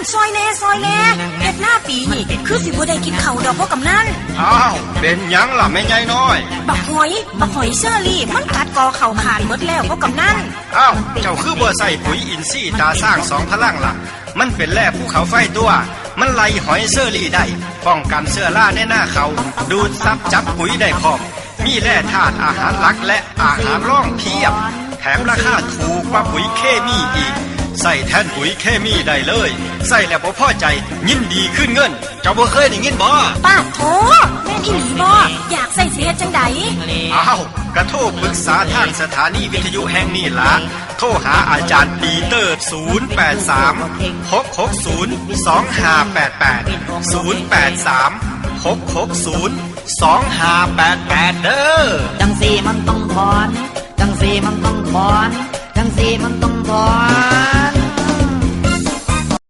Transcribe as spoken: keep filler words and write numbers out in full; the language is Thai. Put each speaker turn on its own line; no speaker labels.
ซอยแน่ซอยแน่เฮ็ดหน้าปีนี่คือสิบ่ได้กินข้าวดอกพ่อกำนัน
อ้าวเป็นหยังล่ะแม่ใหญ่น้อย
บักหอยบักหอยเชอรี่มันกัดกอเข่าขาดหมดแล้วพ่อกำนัน
อ้าวเจ้าคือบ่ใส่ปุ๋ยอินทรีย์ตาสร้างสองพลังล่ะมันเป็นแร่ภูเขาไฟตัวมันไล่หอยเชอรี่ได้ป้องกันเชื้อราในหน้าเขาดูดซับจับปุ๋ยได้พร้อมมีแร่ธาตุอาหารหลักและอาหารร่องเพียบแถมราคาถูกกว่าปุ๋ยเคมีอีกใส่แทนปุ๋ยเคมีได้เลยใส่แล้วบ่พอใจยินดีขึ้นเงินเจ้าบ่เคยได้ยินบ่
ป้าโถแม่นอีหลีบ่อยากใส่สิเฮ็ดจังได๋
อ้าวกระโทรปรึกษาทางสถานีวิทยุแห่งนี้ล่ะโทรหาอาจารย์ปีเตอร์ศูนย์ แปด สาม หก หก ศูนย์ สอง ห้า แปด แปด ศูนย์ แปด สาม หก หก ศูนย์ สอง ห้า แปด แปดเด้อ
จังสีมันต้องถอนจังสีมันต้องถอนจังสีมันต้องถอน